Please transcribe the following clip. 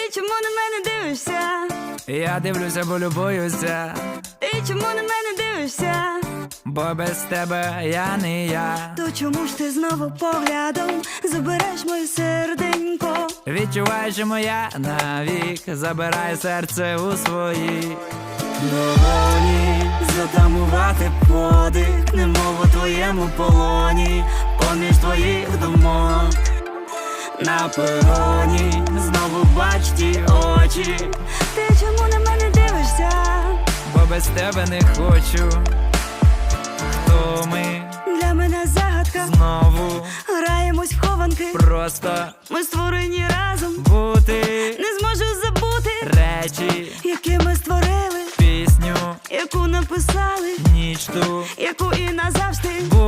Ти чому на мене дивишся? Я дивлюся, бо любуюся, Ти чому на мене дивишся? бо без тебе я не я. То чому ж ти знову поглядом забереш моє серденько? Відчувай, що моя навік забирай серце у свої долоні. Затамувати подих, немов у твоєму полоні, поміж твоїх думок на пероні знову бач ті очі. Ти чому на мене дивишся? Бо без тебе не хочу. Хто ми? Для мене загадка. Знову Граємось в хованки. просто Ми створені разом. бути. Не зможу забути Речі, які ми створили, пісню, яку написали, ніч ту яку і назавжди.